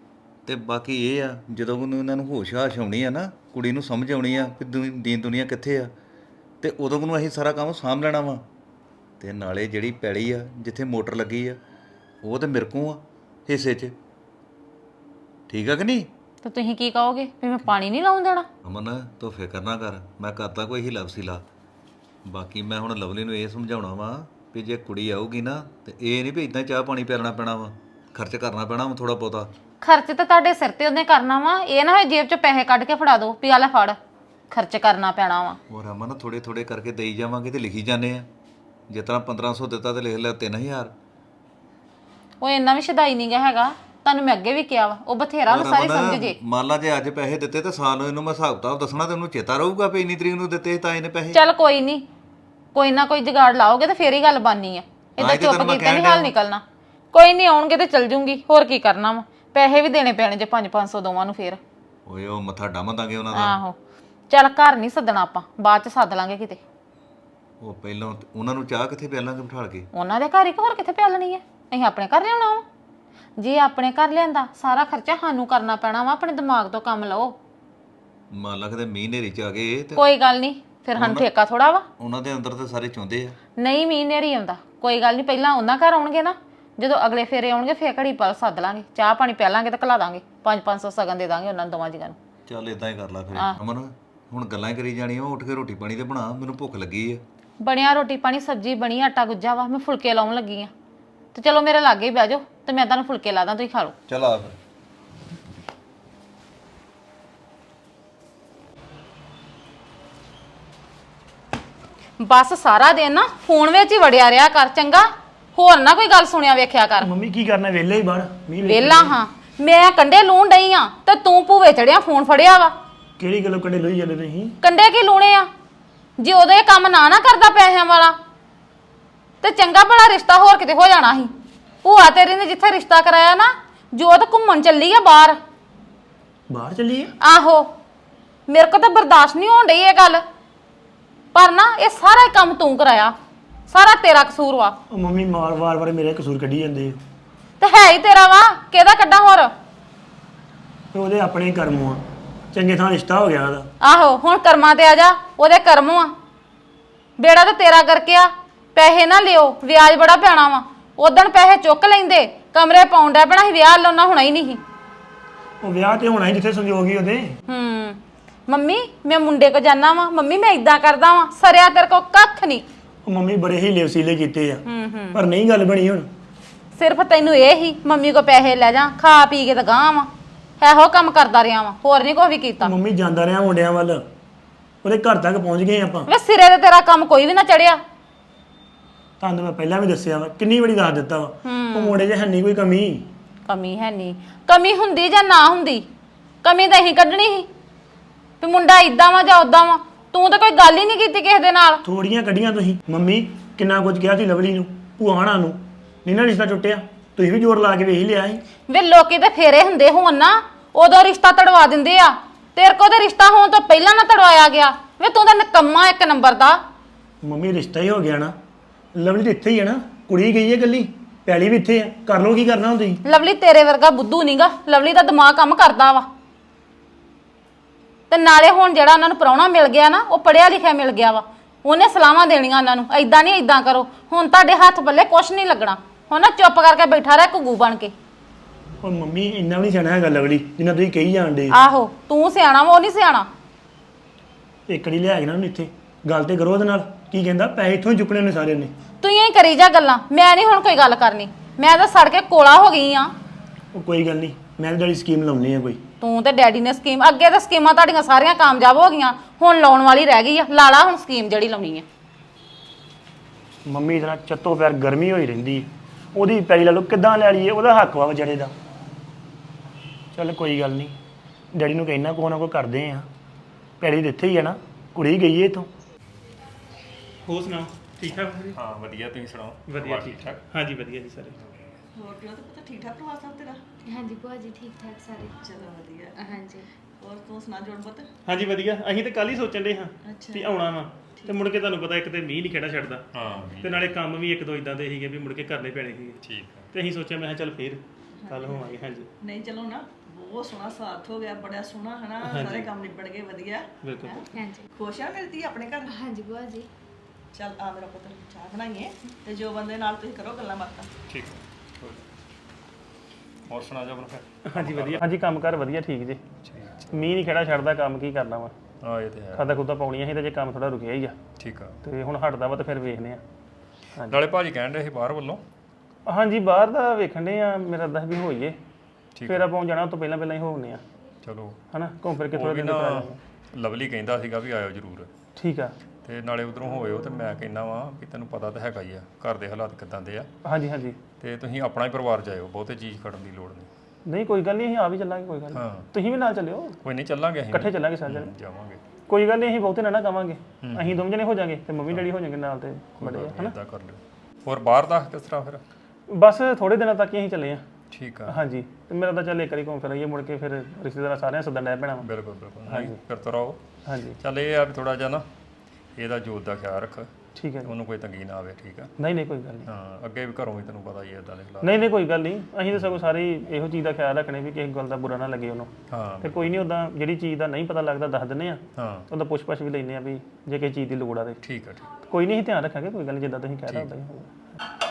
ਤੇ ਬਾਕੀ ਇਹ ਆ ਜਦੋਂ ਉਹਨੂੰ ਇਹਨਾਂ ਨੂੰ ਹੋਸ਼-ਹਾਸ਼ ਆਉਣੀ ਆ ਨਾ, ਕੁੜੀ ਨੂੰ ਸਮਝ ਆਉਣੀ ਆ ਕਿ ਦੀਨ ਦੁਨੀਆ ਕਿੱਥੇ ਆ, ਤੇ ਉਦੋਂ ਨੂੰ ਅਸੀਂ ਸਾਰਾ ਕੰਮ ਸਾਂਭ ਲੈਣਾ ਵਾ। ਤੇ ਨਾਲੇ ਜਿਹੜੀ ਪੈਲੀ ਆ ਜਿੱਥੇ ਮੋਟਰ ਲੱਗੀ ਆ ਉਹ ਤੇ ਮੇਰੇ ਕੋਲ ਆ ਹਿੱਸੇ 'ਚ, ਠੀਕ ਆ ਕਿ ਨਹੀਂ? ਤੇ ਤੁਸੀਂ ਕੀ ਕਹੋਗੇ ਵੀ ਮੈਂ ਪਾਣੀ ਨਹੀਂ ਲਾਉਣ ਦੇਣਾ? ਅਮਨ ਤੂੰ ਫਿਕਰ ਨਾ ਕਰ, ਮੈਂ ਕਰਤਾ ਕੋਈ ਹੀਲਾ ਵਸੀਲਾ। ਬਾਕੀ ਮੈਂ ਹੁਣ ਲਵਲੀ ਨੂੰ ਇਹ ਸਮਝਾਉਣਾ ਵਾ ਵੀ ਜੇ ਕੁੜੀ ਆਊਗੀ ਨਾ ਤੇ ਇਹ ਨਹੀਂ ਵੀ ਇਦਾਂ ਚਾਹ ਪਾਣੀ ਪਿਆਲਣਾ ਪੈਣਾ ਵਾ, ਖਰਚ ਕਰਨਾ ਪੈਣਾ ਵਾ ਥੋੜਾ ਬਹੁਤਾ। ਖਰਚ ਤਾਂ ਤੁਹਾਡੇ ਸਿਰ ਤੇ ਉਹਨੇ ਕਰਨਾ ਵਾ, ਇਹ ਨਾ ਹੋਏ ਜੇਬ 'ਚੋਂ ਪੈਸੇ ਕੱਢ ਕੇ ਫੜਾ ਦਿਓ ਵੀ ਆ ਲੈ ਫੜ, ਖਰਚ ਕਰਨਾ ਪੈਣਾ ਵਾ। ਹੋਰ ਅਮਨ ਥੋੜੇ ਥੋੜੇ ਕਰਕੇ ਦੇਈ ਜਾਵਾਂਗੇ ਤੇ ਲਿਖੀ ਜਾਂਦੇ ਆ, ਜਿਸ ਤਰ੍ਹਾਂ 1500 ਦਿੱਤਾ ਤੇ ਲਿਖ ਲਿਆ 3000। ਉਹ ਇੰਨਾ ਵੀ ਸ਼ਦਾਈ ਨਹੀਂ ਗਾ ਹੈਗਾ, ਤੁਹਾਨੂੰ ਮੈਂ ਅੱਗੇ ਵੀ ਕਿਹਾ ਵਾ, ਉਹ ਬਥੇਰਾ ਉਹਨੂੰ ਸਾਰੀ ਸਮਝ ਜੇ। ਮੰਨ ਲਾ ਜੇ ਅੱਜ ਪੈਸੇ ਦਿੱਤੇ ਤੇ ਸਾਲ ਨੂੰ ਇਹਨੂੰ ਮੈਂ ਹਿਸਾਬ ਕਿਤਾਬ ਦੱਸਣਾ ਤੇ ਉਹਨੂੰ ਚੇਤਾ ਰਹੂਗਾ ਵੀ ਇੰਨੀ ਤਰੀਕ ਨੂੰ ਦਿੱਤੇ ਤਾਂ ਇਹਨੇ ਪੈਸੇ। ਚੱਲ ਕੋਈ ਨਹੀਂ, ਕੋਈ ਨਾ ਕੋਈ ਜੁਗਾੜ ਲਾਓਗੇ ਤੇ ਫੇਰ ਹੀ ਗੱਲ ਬਣਨੀ ਆ, ਏਦਾਂ ਚੁੱਪ ਕੀਤੇ ਨਹੀਂ ਹਾਲ ਨਿਕਲਣਾ। ਕੋਈ ਨਹੀਂ, ਆਉਣਗੇ ਤੇ ਚੱਲ ਜੂੰਗੀ, ਹੋਰ ਕੀ ਕਰਨਾ ਵਾ, ਪੈਸੇ ਵੀ ਦੇਣੇ ਪੈਣੇ ਜੇ 500 ਦੋਵਾਂ ਨੂੰ ਫੇਰ। ਓਏ ਉਹ ਮੱਥਾ ਡੰਮ ਦਾਂਗੇ ਉਹਨਾਂ ਦਾ। ਆਹੋ ਚੱਲ ਘਰ ਨਹੀਂ ਸੱਦਣਾ ਆਪਾਂ, ਬਾਅਦ ਚ ਸੱਦ ਲਾਂਗੇ ਕਿਤੇ। ਉਹ ਪਹਿਲਾਂ ਉਹਨਾਂ ਨੂੰ ਚਾਹ ਕਿੱਥੇ ਪਿਆਲਾਂਗੇ ਬਿਠਾਲ ਕੇ? ਉਹਨਾਂ ਦੇ ਘਰ ਹੀ ਹੋਰ ਕਿੱਥੇ ਪਿਆਲਣੀ ਆ, ਅਸੀਂ ਆਪਣੇ ਘਰ ਲਿਆਉਣਾ ਵਾ। ਜੇ ਆਪਣੇ ਘਰ ਲਿਆਂਦਾ ਸਾਰਾ ਖਰਚਾ ਸਾਨੂੰ ਕਰਨਾ ਪੈਣਾ ਵਾ, ਆਪਣੇ ਦਿਮਾਗ ਤੋਂ ਕੰਮ ਲਓ। ਮੰਨ ਲਾ ਕਿਤੇ ਮੀਂਹ ਨੇਰੀ ਚ ਆ ਗਏ ਤੇ ਕੋਈ ਗੱਲ ਨਹੀਂ, ਫਿਰ ਸਾਨੂੰ ਠੇਕਾ ਥੋੜਾ ਵਾ। ਉਹਨਾਂ ਦੇ ਅੰਦਰ ਤੇ ਸਾਰੇ ਚੁੰਦੇ ਆ। ਨਹੀਂ ਮੀਂਹ ਨੇਰੀ ਆਉਂਦਾ, ਕੋਈ ਗੱਲ ਨਹੀਂ, ਪਹਿਲਾਂ ਉਹਨਾਂ ਘਰ ਆਉਣਗੇ ਨਾ, ਜਦੋਂ ਅਗਲੇ ਫੇਰੇ ਆਉਣਗੇ ਫੇਰ ਘੜੀ ਪਲ ਸੱਦ ਲਾਂਗੇ, ਚਾਹ ਪਾਣੀ ਪਿਆਲਾਂਗੇ ਤੇ ਘਲਾ ਦਾਂਗੇ, 500 ਸਗਨ ਦੇ ਦਾਂਗੇ ਉਹਨਾਂ ਨੂੰ ਦੋਵਾਂ ਜੀਆਂ ਨੂੰ। ਚੱਲ ਇਦਾਂ ਹੀ ਕਰ ਲਾ ਫਿਰ ਅਮਨ, ਹੁਣ ਗੱਲਾਂ ਹੀ ਕਰੀ ਜਾਣੀਆਂ, ਉੱਠ ਕੇ ਰੋਟੀ ਪਾਣੀ ਤੇ ਬਣਾ, ਮੈਨੂੰ ਭੁੱਖ ਲੱਗੀ ਆ। ਬਣਿਆ ਰੋਟੀ ਪਾਣੀ, ਸਬਜ਼ੀ ਬਣੀ, ਆਟਾ ਗੁੱਜਾ ਵਾ, ਮੈਂ ਫੁਲਕੇ ਲਾਉਣ ਲੱਗੀ ਆ। ਤੇ ਚਲੋ ਮੇਰੇ ਲਾਗੇ ਹੀ ਬਹਿ ਜਾਓ ਤੇ ਮੈਂ ਤੁਹਾਨੂੰ ਫੁਲਕੇ ਲਾ ਦਾਂ, ਤੁਸੀਂ ਖਾ ਲਓ। ਚੱਲ ਆ ਫਿਰ। ਬਸ ਸਾਰਾ ਦਿਨ ਨਾ ਫੋਨ ਵਿੱਚ ਹੀ ਵੜਿਆ ਰਿਹਾ ਕਰ, ਚੰਗਾ? ਹੋਰ ਨਾ ਕੋਈ ਗੱਲ ਸੁਣਿਆ ਵੇਖਿਆ ਕਰ। ਮੰਮੀ ਕੀ ਕਰਨਾ, ਵਿਹਲੇ ਹੀ ਬਾਹਰ ਮੀਂਹ ਵੇਲਾ ਹਾਂ, ਮੈਂ ਕੰਡੇ ਲੂਣ ਡਈ ਆ ਤੇ ਤੂੰ ਭੂਵੇ ਚੜਿਆ ਫੋਨ ਫੜਿਆ ਵਾ। ਕਿਹੜੀ ਗੱਲੋਂ ਕੰਡੇ ਲੋਈ ਜਾਂਦੇ ਤੁਸੀਂ? ਕੰਡੇ ਕੀ ਲੂਣੇ ਆ? ਜੇ ਉਦੋਂ ਇਹ ਕੰਮ ਨਾ ਕਰਦਾ ਪੈਸਿਆਂ ਵਾਲਾ ਤੇ ਚੰਗਾ ਭਲਾ ਰਿਸ਼ਤਾ ਹੋਰ ਕਿਤੇ ਹੋ ਜਾਣਾ ਸੀ। ਭੂਆ ਤੇਰੀ ਨੇ ਜਿੱਥੇ ਰਿਸ਼ਤਾ ਕਰਾਇਆ ਨਾ, ਜੋਤ ਘੁੰਮਣ ਚੱਲੀ ਆ ਬਾਹਰ। ਬਾਹਰ ਚੱਲੀ ਆ? ਆਹੋ, ਮੇਰੇ ਕੋਲ ਤਾਂ ਬਰਦਾਸ਼ਤ ਨਹੀਂ ਹੋਣ ਡਈ ਇਹ ਗੱਲ, ਪਰ ਨਾ ਇਹ ਸਾਰਾ ਹੀ ਕੰਮ ਤੂੰ ਕਰਾਇਆ, ਸਾਰਾ ਤੇਰਾ ਕਸੂਰ ਵਾ। ਉਹ ਮੰਮੀ ਵਾਰ ਮੇਰੇ ਕਸੂਰ ਕੱਢੀ ਜਾਂਦੇ ਆ। ਤੇ ਹੈ ਹੀ ਤੇਰਾ ਵਾ, ਕਿਹਦਾ ਕੱਢਾਂ ਹੋਰ? ਤੇ ਉਹਦੇ ਆਪਣੇ ਹੀ ਕਰਮ ਆ, ਚੰਗੇ ਥਾਂ ਰਿਸ਼ਤਾ ਹੋ ਗਿਆ ਉਹਦਾ। ਆਹੋ, ਹੁਣ ਕਰਮਾਂ ਤੇ ਆ ਜਾ, ਉਹਦੇ ਕਰਮ ਆ। ਬੇੜਾ ਤਾਂ ਤੇਰਾ ਕਰਕੇ ਆ, ਪੈਸੇ ਨਾ ਲਿਓ, ਵਿਆਜ ਬੜਾ ਪੈਣਾ ਵਾ। ਉਦਣ ਪੈਸੇ ਚੁੱਕ ਲੈਂਦੇ, ਕਮਰੇ ਪਾਉਣ ਡਿਆ ਪੈਣਾ ਸੀ, ਵਿਆਹ ਲਾਉਣਾ ਹੋਣਾ ਹੀ ਨਹੀਂ ਸੀ। ਉਹ ਵਿਆਹ ਤੇ ਹੋਣਾ ਹੀ ਜਿੱਥੇ ਸੰਜੋਗ ਹੀ ਉਹਦੇ। ਮੰਮੀ ਮੈਂ ਮੁੰਡੇ ਕੋ ਜਾਣਾ ਵਾ, ਮੰਮੀ ਮੈਂ ਇਦਾਂ ਕਰਦਾ ਵਾਂ, ਸਰਿਆ ਤੇਰੇ ਕੋ ਕੱਖ ਨਹੀਂ। ਉਹ ਮੰਮੀ ਬੜੇ ਹੀ ਲੇਵਸੀਲੇ ਕੀਤੇ ਆ, ਪਰ ਨਹੀਂ ਗੱਲ ਬਣੀ ਹੁਣ। ਸਿਰਫ ਤੈਨੂੰ ਇਹ ਹੀ ਮੰਮੀ ਕੋ ਪੈਸੇ ਲੈ ਜਾ, ਖਾ ਪੀ ਕੇ ਤਾਂ ਗਾਂ ਵਾ, ਇਹੋ ਕੰਮ ਕਰਦਾ ਰਿਹਾ ਵਾ, ਹੋਰ ਨਹੀਂ ਕੁਛ ਵੀ ਕੀਤਾ। ਮੰਮੀ ਜਾਂਦਾ ਰਿਹਾ ਮੁੰਡਿਆਂ ਵੱਲ, ਉਹਦੇ ਘਰ ਤੱਕ ਪਹੁੰਚ ਗਏ ਆਪਾਂ। ਵੇ ਸਿਰੇ ਤੇ ਤੇਰਾ ਕੰਮ ਕੋਈ ਵੀ ਨਾ ਚੜਿਆ। ਤੁਹਾਨੂੰ ਮੈਂ ਪਹਿਲਾਂ ਵੀ ਦੱਸਿਆ ਵਾ, ਕਿੰਨੀ ਵਾਰੀ ਦੱਸ ਦਿੱਤਾ ਵਾ, ਉਹ ਮੁੰਡੇ 'ਚ ਹੈ ਨਹੀਂ ਕੋਈ ਕਮੀ। ਕਮੀ ਹੈ ਨਹੀਂ, ਕਮੀ ਹੁੰਦੀ ਜਾਂ ਨਾ ਹੁੰਦੀ, ਕਮੀ ਤਾਂ ਅਸੀਂ ਕੱਢਣੀ ਸੀ ਵੀ ਮੁੰਡਾ ਇਦਾਂ ਵਾ ਜਾਂ ਉਦਾਂ ਵਾ। ਤੂੰ ਤਾਂ ਕੋਈ ਗੱਲ ਹੀ ਨਹੀਂ ਕੀਤੀ ਕਿਸੇ ਦੇ ਨਾਲ। ਥੋੜੀਆਂ ਕੱਢੀਆਂ ਤੁਸੀਂ। ਮੰਮੀ ਕਿੰਨਾ ਕੁਝ ਕਿਹਾ ਸੀ ਲਵਲੀ ਨੂੰ, ਭੂਆਣਾ ਨੂੰ, ਨਹੀਂ ਨਾ ਰਿਸ਼ਤਾ ਟੁੱਟਿਆ। ਤੁਸੀਂ ਵੀ ਜ਼ੋਰ ਲਾ ਕੇ ਵੇਖ ਹੀ ਲਿਆ ਸੀ। ਵੇ ਲੋਕੀ ਤੇ ਫੇਰੇ ਹੁੰਦੇ ਹੋਣ ਨਾ, ਉਦੋਂ ਰਿਸ਼ਤਾ ਤੜਵਾ ਦਿੰਦੇ ਆ। ਤੇਰੇ ਕੋਲ ਤਾਂ ਰਿਸ਼ਤਾ ਹੋਣ ਤੋਂ ਪਹਿਲਾਂ ਨਾ ਤੜਵਾਇਆ ਗਿਆ। ਵੇ ਤੂੰ ਤਾਂ ਨਿਕੰਮਾ ਇੱਕ ਨੰਬਰ ਦਾ। ਮੰਮੀ ਰਿਸ਼ਤਾ ਹੀ ਹੋ ਗਿਆ ਨਾ, ਲਵਲੀ ਤਾਂ ਇੱਥੇ ਹੀ ਹੈ ਨਾ, ਕੁੜੀ ਗਈ ਹੈ ਇਕੱਲੀ, ਪੈਲੀ ਵੀ ਇੱਥੇ ਆ, ਕਰ ਲਓ ਕੀ ਕਰਨਾ ਹੁਣ ਤੁਸੀਂ। ਲਵਲੀ ਤੇਰੇ ਵਰਗਾ ਬੁੱਧੂ ਨਹੀਂਗਾ, ਲਵਲੀ ਦਾ ਦਿਮਾਗ ਕੰਮ ਕਰਦਾ ਵਾ। ਤੇ ਨਾਲੇ ਹੁਣ ਜਿਹੜਾ ਉਹਨਾਂ ਨੂੰ ਪ੍ਰਾਹੁਣਾ ਮਿਲ ਗਿਆ ਨਾ, ਉਹ ਪੜਿਆ ਲਿਖਿਆ ਮਿਲ ਗਿਆ ਵਾ, ਉਹਨੇ ਸਲਾਹਾਂ ਦੇਣੀਆਂ ਉਹਨਾਂ ਨੂੰ, ਐਦਾਂ ਨਹੀਂ ਐਦਾਂ ਕਰੋ। ਹੁਣ ਤੁਹਾਡੇ ਹੱਥ ਪੱਲੇ ਕੁਛ ਨਹੀਂ ਲੱਗਣਾ, ਹੁਣ ਨਾ ਚੁੱਪ ਕਰਕੇ ਬੈਠਾ ਰਹਿ ਘੁੱਗੂ ਬਣ ਕੇ। ਉਹ ਮੰਮੀ ਇੰਨਾ ਵੀ ਨਹੀਂ ਸਿਆਣਾ ਹੈਗਾ ਲਵਲੀ ਜਿੰਨਾ ਤੁਸੀਂ ਕਹੀ ਜਾਣਦੇ। ਆਹੋ ਤੂੰ ਸਿਆਣਾ ਵਾ, ਉਹ ਨਹੀਂ ਸਿਆਣਾ। ਇਕੜੀ ਲਿਆ ਕੇ ਨਾ ਉਹਨੂੰ ਇੱਥੇ ਗੱਲ ਤੇ ਕਰੋ ਉਹਦੇ ਨਾਲ, ਕੀ ਕਹਿੰਦਾ ਪੈਸੇ ਇੱਥੋਂ ਹੀ ਚੁੱਕਣੇ ਨੇ ਸਾਰਿਆਂ ਨੇ। ਤੂੰ ਹੀ ਕਰੀ ਜਾ ਗੱਲਾਂ, ਮੈਂ ਨਹੀਂ ਹੁਣ ਕੋਈ ਗੱਲ ਕਰਨੀ, ਮੈਂ ਤਾਂ ਸੜ ਕੇ ਕੋਲਾ ਹੋ ਗਈ ਆ। ਉਹ ਕੋਈ ਗੱਲ ਨਹੀਂ, ਮੈਂ ਜਿਹੜੀ ਸਕੀਮ ਲਾਉਣੀ ਆ ਕੋਈ। ਤੂੰ ਤੇ ਡੈਡੀ ਨੇ ਸਕੀਮ, ਅੱਗੇ ਤਾਂ ਸਕੀਮਾਂ ਤੁਹਾਡੀਆਂ ਸਾਰੀਆਂ ਕਾਮਯਾਬ ਹੋ ਗਈਆਂ, ਹੁਣ ਲਾਉਣ ਵਾਲੀ ਰਹਿ ਗਈ ਆ। ਲਾ ਲਾ ਹੁਣ ਸਕੀਮ ਜਿਹੜੀ ਲਾਉਣੀ ਆ। ਮੰਮੀ ਇਹਦੇ ਨਾਲ ਚੱਤੋ ਪੈਰ ਗਰਮੀ ਹੋਈ ਰਹਿੰਦੀ, ਉਹਦੀ ਪੈਲੀ ਲੈ ਲਓ ਕਿੱਦਾਂ ਲੈ ਲਈਏ, ਉਹਦਾ ਹੱਕ ਵਾ ਵਿਚਾਰੇ ਦਾ। ਚੱਲ ਕੋਈ ਗੱਲ ਨਹੀਂ, ਡੈਡੀ ਨੂੰ ਕਹਿਣਾ ਕੋਈ ਨਾ ਕੋਈ ਕਰਦੇ ਆ, ਪੈਲੀ ਦਿੱਥੇ ਹੀ ਆ ਨਾ, ਕੁੜੀ ਗਈ ਹੈ ਇੱਥੋਂ। ਹੋਰ ਸੁਣਾਓ, ਠੀਕ ਠਾਕ? ਹਾਂ ਵਧੀਆ, ਤੁਸੀਂ ਸੁਣਾਓ? ਵਧੀਆ ਠੀਕ ਠਾਕ। ਹਾਂਜੀ ਵਧੀਆ ਜੀ ਸਾਰੇ। ਹੋਰ ਕਿਉਂ ਤੇ ਪਤਾ ਠੀਕ ਠਾਕ ਪਰਿਵਾਰ ਸਭ ਤੇਰਾ? ਹਾਂਜੀ ਭੂਆ ਜੀ ਠੀਕ ਠਾਕ ਸਾਰੇ। ਚਲੋ ਵਧੀਆ। ਹਾਂਜੀ ਹੋਰ ਤੂੰ ਸੁਣਾ ਜੋੜ ਪੁੱਤ? ਹਾਂਜੀ ਵਧੀਆ। ਅਸੀਂ ਤਾਂ ਕੱਲ ਹੀ ਸੋਚਣ ਦੇ ਹਾਂ ਵੀ ਆਉਣਾ ਵਾ, ਤੇ ਮੁੜ ਕੇ ਤੁਹਾਨੂੰ ਪਤਾ ਇੱਕ ਤੇ ਮੀਂਹ ਨਹੀਂ ਖੇੜਾ ਛੱਡਦਾ, ਹਾਂ ਤੇ ਨਾਲੇ ਕੰਮ ਵੀ ਇੱਕ ਦੋ ਇਦਾਂ ਦੇ ਸੀਗੇ ਵੀ ਮੁੜ ਕੇ ਕਰਨੇ ਪੈਣੇ ਸੀਗੇ, ਠੀਕ ਆ। ਤੇ ਅਸੀਂ ਸੋਚਿਆ ਮੈਂ ਕਿਹਾ ਚੱਲ ਫੇਰ ਕੱਲ ਹੋਵਾਂਗੇ। ਹਾਂਜੀ ਨਹੀਂ ਚਲੋ ਨਾ, ਬਹੁਤ ਸੋਹਣਾ ਸਾਥ ਹੋ ਗਿਆ, ਬੜਾ ਸੋਹਣਾ ਹਨਾ, ਸਾਰੇ ਕੰਮ ਨਿਬੜ ਗਏ ਵਧੀਆ। ਬਿਲਕੁਲ ਹਾਂਜੀ ਖੁਸ਼ ਆ ਮੇਰੀ ਧੀ ਆਪਣੇ ਘਰ? ਹਾਂਜੀ ਭੂਆ ਜੀ। ਚੱਲ ਆ ਮੇਰਾ ਪੁੱਤ, ਚਾਹ ਬਣਾਈਏ ਤੇ ਜੋ ਬੰਦੇ ਨਾਲ ਤੁਸੀਂ ਕਰੋ ਗੱਲਾਂ ਬਾਤਾਂ। ਠੀਕ ਹੋਰ ਸੁਣਾ ਜਾ ਫਿਰ। ਹਾਂਜੀ ਵਧੀਆ। ਹਾਂਜੀ ਕੰਮਕਾਰ ਵਧੀਆ ਠੀਕ ਜੇ। ਮੀਂਹ ਨਹੀਂ ਖੜਾ ਛੱਡਦਾ, ਕੰਮ ਕੀ ਕਰਨਾ ਵਾ। ਹਾਂ ਇਹ ਤੇ ਹੈ। ਖਾਦਾ ਖੁਦਾ ਪਾਉਣੀਆਂ ਸੀ ਤੇ ਜੇ ਕੰਮ ਥੋੜਾ ਰੁਕਿਆ ਹੀ ਆ ਠੀਕ ਆ। ਤੇ ਹੁਣ ਹਟਦਾ ਵਾ ਤੇ ਫਿਰ ਵੇਖਦੇ ਆ। ਨਾਲੇ ਭਾਜੀ ਕਹਿਣ ਰਹੇ ਸੀ ਬਾਹਰ ਵੱਲੋਂ। ਹਾਂਜੀ ਬਾਹਰ ਦਾ ਵੇਖਣ ਦੇ ਆ, ਮੇਰਾ ਦੱਸ ਵੀ ਹੋਈਏ ਫਿਰ ਆਪਾਂ ਜਾਣਾ, ਉਹ ਤੋਂ ਪਹਿਲਾਂ ਪਹਿਲਾਂ ਹੀ ਹੋਣੇ ਆ ਚਲੋ ਹਨਾ, ਘੁੰਮ ਫਿਰ ਕੇ ਥੋੜਾ ਉਹ ਵੀ ਦਿਨ ਨਾ ਕਰਾ ਜਾਵਾਂਗੇ। ਲਵਲੀ ਕਹਿੰਦਾ ਸੀਗਾ ਵੀ ਆਇਓ ਜ਼ਰੂਰ, ਠੀਕ ਆ। ਤੇ ਨਾਲੇ ਉਧਰੋਂ ਹੋਇਓ ਤੇ ਮੈਂ ਕਹਿੰਦਾ ਵਾਂ ਵੀ ਤੈਨੂੰ ਪਤਾ ਤਾਂ ਹੈਗਾ ਹੀ ਆ ਘਰ ਦੇ ਹਾਲਾਤ ਕਿਦਾਂ ਦੇ ਆ, ਹਾਂਜੀ ਹਾਂਜੀ ਤੇ ਤੁਸੀਂ ਆਪਣਾ ਹੀ ਪਰਿਵਾਰ ਜਾਇਓ, ਬਹੁਤੇ ਚੀਜ਼ ਖੜਨ ਦੀ ਲੋੜ ਨਹੀਂ। ਨਹੀਂ ਕੋਈ ਗੱਲ ਨਹੀਂ, ਅਸੀਂ ਆ ਵੀ ਚੱਲਾਂਗੇ, ਕੋਈ ਗੱਲ ਨਹੀਂ। ਹਾਂ ਤੁਸੀਂ ਵੀ ਨਾਲ ਚੱਲਿਓ, ਕੋਈ ਨਹੀਂ ਚੱਲਾਂਗੇ ਅਸੀਂ ਇਕੱਠੇ ਚੱਲਾਂਗੇ ਸਾਰੇ ਜਣੇ। ਜਾਵਾਂਗੇ। ਕੋਈ ਗੱਲ ਨਹੀਂ, ਅਸੀਂ ਬਹੁਤੇ ਨਾ ਕਵਾਂਗੇ, ਅਸੀਂ ਦੋਵੇਂ ਜਣੇ ਹੋ ਜਾਾਂਗੇ ਤੇ ਮੰਮੀ ਡੈਡੀ ਹੋ ਜਾਣਗੇ ਨਾਲ ਤੇ ਬੜੇ ਆ ਹਨਾ। ਇਦਾਂ ਕਰ ਲਿਓ। ਹੋਰ ਬਾਹਰ ਦਾ ਕਿਸ ਤਰ੍ਹਾਂ ਫਿਰ? ਬਸ ਥੋੜੇ ਦਿਨਾਂ ਤੱਕ ਹੀ ਅਸੀਂ ਚੱਲੇ ਆ। ਠੀਕ ਆ। ਹਾਂਜੀ ਤੇ ਮੇਰਾ ਤਾਂ ਚੱਲ ਇੱਕ ਵਾਰੀ ਘੁੰਮ ਫਿਰ ਆਈਏ, ਮੁੜ ਕੇ ਫਿਰ ਰਿਸ਼ਤੇਦਾਰਾਂ ਸਾਰਿਆਂ ਸੱਦਣ ਡੈ ਪੈਣਾ ਵਾ। ਬਿਲਕੁਲ ਬਿਲਕੁਲ। ਹਾਂਜੀ ਫਿਰ ਤੋਂ ਰਹੋ। ਹਾਂਜੀ ਚੱਲ ਇਹ ਆ ਵੀ ਥੋੜਾ ਜਿਹਾ ਨਾ ਇਹਦਾ ਜੋਤ ਦਾ ਖਿਆਲ ਰੱਖ, ਠੀਕ ਹੈ ਜੀ। ਉਹਨੂੰ ਕੋਈ ਤੰਗੀ ਨਾ ਆਵੇ। ਠੀਕ ਆ। ਨਹੀਂ ਨਹੀਂ ਕੋਈ ਗੱਲ ਨਹੀਂ। ਹਾਂ ਅੱਗੇ ਵੀ ਘਰੋਂ ਵੀ ਤੈਨੂੰ ਪਤਾ ਹੀ ਹੈ ਇਦਾਂ ਦੇ ਹਾਲਾਤ। ਨਹੀਂ ਨਹੀਂ ਕੋਈ ਗੱਲ ਨਹੀਂ, ਅਸੀਂ ਤਾਂ ਸਗੋਂ ਸਾਰੇ ਇਹੋ ਚੀਜ਼ ਦਾ ਖਿਆਲ ਰੱਖਣੇ ਵੀ ਕਿਸੇ ਗੱਲ ਦਾ ਬੁਰਾ ਨਾ ਲੱਗੇ ਉਹਨੂੰ। ਹਾਂ ਤੇ ਕੋਈ ਨਹੀਂ, ਉਦਾਂ ਜਿਹੜੀ ਚੀਜ਼ ਦਾ ਨਹੀਂ ਪਤਾ ਲੱਗਦਾ ਦੱਸ ਦਿੰਦੇ ਆ, ਹਾਂ ਉਹਦਾ ਪੁੱਛ-ਪਛ ਵੀ ਲੈਂਦੇ ਆ ਵੀ ਜੇ ਕਿਸੇ ਚੀਜ਼ ਦੀ ਲੋੜ ਆ ਤੇ ਠੀਕ ਆ ਠੀਕ। ਕੋਈ ਨਹੀਂ, ਅਸੀਂ ਧਿਆਨ ਰੱਖਾਂਗੇ, ਕੋਈ ਗੱਲ ਨਹੀਂ, ਜਿੱਦਾਂ ਤੁਸੀਂ ਕਹਿ ਰਹੇ ਉਦਾਂ ਹੀ ਹੋਊਗਾ।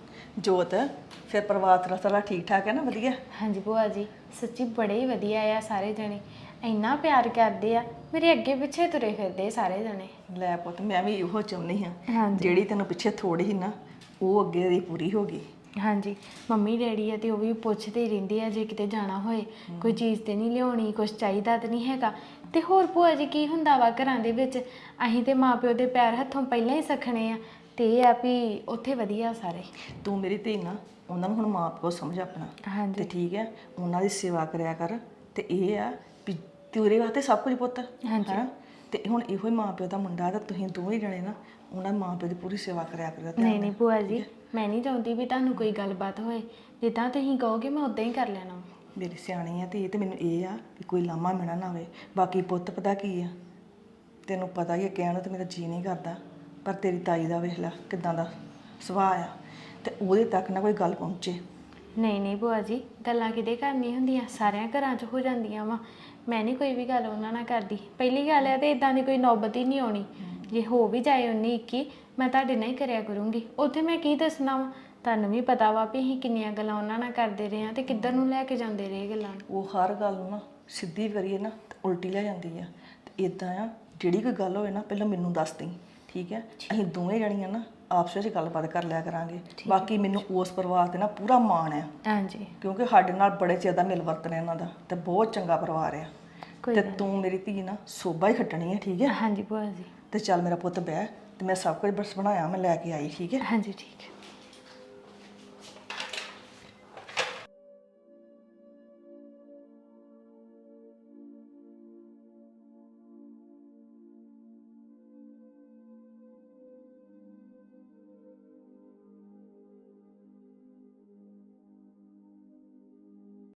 ਜੋਤ ਫਿਰ ਪਰਿਵਾਰ ਤੇਰਾ ਸਾਰਾ ਠੀਕ ਠਾਕ ਹੈ ਨਾ? ਵਧੀਆ। ਹਾਂਜੀ ਭੂਆ ਜੀ, ਸੱਚੀ ਬੜੇ ਹੀ ਵਧੀਆ ਆ ਸਾਰੇ ਜਣੇ, ਇੰਨਾ ਪਿਆਰ ਕਰਦੇ ਆ, ਮੇਰੇ ਅੱਗੇ ਪਿੱਛੇ ਤੁਰੇ ਫਿਰਦੇ ਸਾਰੇ ਜਣੇ। ਲੈ ਪੁੱਤ ਮੈਂ ਵੀ ਇਹੋ ਚਾਹੁੰਦੀ ਹਾਂ, ਹਾਂਜੀ ਜਿਹੜੀ ਤੈਨੂੰ ਪਿੱਛੇ ਥੋੜੀ ਸੀ ਨਾ ਉਹ ਅੱਗੇ ਦੀ ਪੂਰੀ ਹੋ ਗਈ। ਹਾਂਜੀ ਮੰਮੀ ਡੈਡੀ ਆ ਤੇ ਉਹ ਵੀ ਪੁੱਛਦੇ ਰਹਿੰਦੇ ਆ ਜੇ ਕਿਤੇ ਜਾਣਾ ਹੋਏ, ਕੋਈ ਚੀਜ਼ ਤੇ ਨਹੀਂ ਲਿਆਉਣੀ, ਕੁਝ ਚਾਹੀਦਾ ਤੇ ਨਹੀਂ ਹੈਗਾ। ਤੇ ਹੋਰ ਭੂਆ ਜੀ ਕੀ ਹੁੰਦਾ ਵਾ ਘਰਾਂ ਦੇ ਵਿੱਚ, ਅਸੀਂ ਤੇ ਮਾਪਿਓ ਦੇ ਪੈਰ ਹੱਥੋਂ ਪਹਿਲਾਂ ਹੀ ਸਖਣੇ ਆ, ਤੇ ਇਹ ਆ ਵੀ ਉੱਥੇ ਵਧੀਆ ਸਾਰੇ। ਤੂੰ ਮੇਰੀ ਧੀ ਨਾ, ਉਹਨਾਂ ਨੂੰ ਹੁਣ ਮਾਂ ਪਿਓ ਸਮਝ ਆਪਣਾ। ਹਾਂਜੀ ਤੇ ਠੀਕ ਹੈ, ਉਹਨਾਂ ਦੀ ਸੇਵਾ ਕਰਿਆ ਕਰ। ਤੇ ਇਹ ਆ ਵੀ ਤੇਰੇ ਵਾਸਤੇ ਸਭ ਕੁਝ ਪੁੱਤ ਹੈਨਾ। ਤੇ ਹੁਣ ਇਹੋ ਹੀ ਮਾਂ ਪਿਓ ਦਾ ਮੁੰਡਾ ਤਾਂ ਤੁਸੀਂ ਦੋਵੇਂ ਜਣੇ ਨਾ ਉਹਨਾਂ ਮਾਂ ਪਿਓ ਦੀ ਪੂਰੀ ਸੇਵਾ ਕਰਿਆ ਕਰੋ। ਨਹੀਂ ਨਹੀਂ ਭੂਆ ਜੀ, ਮੈਂ ਨਹੀਂ ਚਾਹੁੰਦੀ ਵੀ ਤੁਹਾਨੂੰ ਕੋਈ ਗੱਲਬਾਤ ਹੋਏ, ਜਿੱਦਾਂ ਤੁਸੀਂ ਕਹੋਗੇ ਮੈਂ ਉਦਾਂ ਹੀ ਕਰ ਲੈਣਾ। ਮੇਰੀ ਸਿਆਣੀ ਆ ਧੀ, ਤੇ ਮੈਨੂੰ ਇਹ ਆ ਵੀ ਕੋਈ ਲਾਮਾ ਮਿਣਾ ਨਾ ਹੋਵੇ। ਬਾਕੀ ਪੁੱਤ ਪਤਾ ਕੀ ਆ, ਤੈਨੂੰ ਪਤਾ ਹੀ ਹੈ, ਕਹਿਣ ਨੂੰ ਤੇ ਮੇਰਾ ਜੀ ਨਹੀਂ ਕਰਦਾ, ਪਰ ਤੇਰੀ ਤਾਈ ਦਾ ਵੇਖ ਲੈ ਕਿਦਾਂ ਦਾ ਸੁਭਾਅ ਆ, ਤੇ ਉਹਦੇ ਤੱਕ ਨਾ ਕੋਈ ਗੱਲ ਪਹੁੰਚੇ। ਨਹੀਂ ਨਹੀਂ ਭੂਆ ਜੀ, ਗੱਲਾਂ ਕਿਤੇ ਘਰ ਨਹੀਂ ਹੁੰਦੀਆਂ, ਸਾਰਿਆਂ ਘਰਾਂ 'ਚ ਹੋ ਜਾਂਦੀਆਂ ਵਾ। ਮੈਂ ਨਹੀਂ ਕੋਈ ਵੀ ਗੱਲ ਉਹਨਾਂ ਨਾਲ ਕਰਦੀ। ਪਹਿਲੀ ਗੱਲ ਹੈ ਤੇ ਇਦਾਂ ਦੀ ਕੋਈ ਨੌਬਤ ਹੀ ਨਹੀਂ ਆਉਣੀ। ਜੇ ਹੋ ਵੀ ਜਾਏ 19-21, ਮੈਂ ਤੁਹਾਡੇ ਨਾਲ ਹੀ ਕਰਿਆ ਕਰੂੰਗੀ। ਉੱਥੇ ਮੈਂ ਕੀ ਦੱਸਣਾ ਵਾ, ਤੁਹਾਨੂੰ ਵੀ ਪਤਾ ਵਾ ਵੀ ਅਸੀਂ ਕਿੰਨੀਆਂ ਗੱਲਾਂ ਉਹਨਾਂ ਨਾਲ ਕਰਦੇ ਰਹੇ ਹਾਂ ਤੇ ਕਿੱਧਰ ਨੂੰ ਲੈ ਕੇ ਜਾਂਦੇ ਰਹੇ ਗੱਲਾਂ ਨੂੰ। ਉਹ ਹਰ ਗੱਲ ਨੂੰ ਨਾ ਸਿੱਧੀ ਕਰੀਏ ਨਾ ਤੇ ਉਲਟੀ ਲੈ ਜਾਂਦੀ ਆ। ਤੇ ਇਦਾਂ ਆ, ਜਿਹੜੀ ਕੋਈ ਗੱਲ ਹੋਵੇ ਨਾ ਪਹਿਲਾਂ ਮੈਨੂੰ ਦੱਸ ਦੇਈਂ, ਠੀਕ ਹੈ? ਅਸੀਂ ਦੋਵੇਂ ਜਣੀਆਂ ਨਾ ਆਪਸ ਵਿੱਚ ਗੱਲਬਾਤ ਕਰ ਲਿਆ ਕਰਾਂਗੇ। ਬਾਕੀ ਮੈਨੂੰ ਉਸ ਪਰਿਵਾਰ ਤੇ ਨਾ ਪੂਰਾ ਮਾਣ ਆ, ਹਾਂਜੀ ਕਿਉਂਕਿ ਸਾਡੇ ਨਾਲ ਬੜੇ ਚਿਰ ਦਾ ਮਿਲ ਵਰਤਨ ਇਹਨਾਂ ਦਾ, ਤੇ ਬਹੁਤ ਚੰਗਾ ਪਰਿਵਾਰ ਆ। ਕੋਈ ਤੇ ਤੂੰ ਮੇਰੀ ਧੀ ਨਾ ਸੋਭਾ ਹੀ ਖੱਟਣੀ ਹੈ, ਠੀਕ ਹੈ? ਹਾਂਜੀ ਭੂਆ ਜੀ। ਤੇ ਚੱਲ ਮੇਰਾ ਪੁੱਤ ਬਹਿ, ਤੇ ਮੈਂ ਸਭ ਕੁਝ ਬਸ ਬਣਾਇਆ, ਮੈਂ ਲੈ ਕੇ ਆਈ, ਠੀਕ ਹੈ? ਹਾਂਜੀ ਠੀਕ ਹੈ।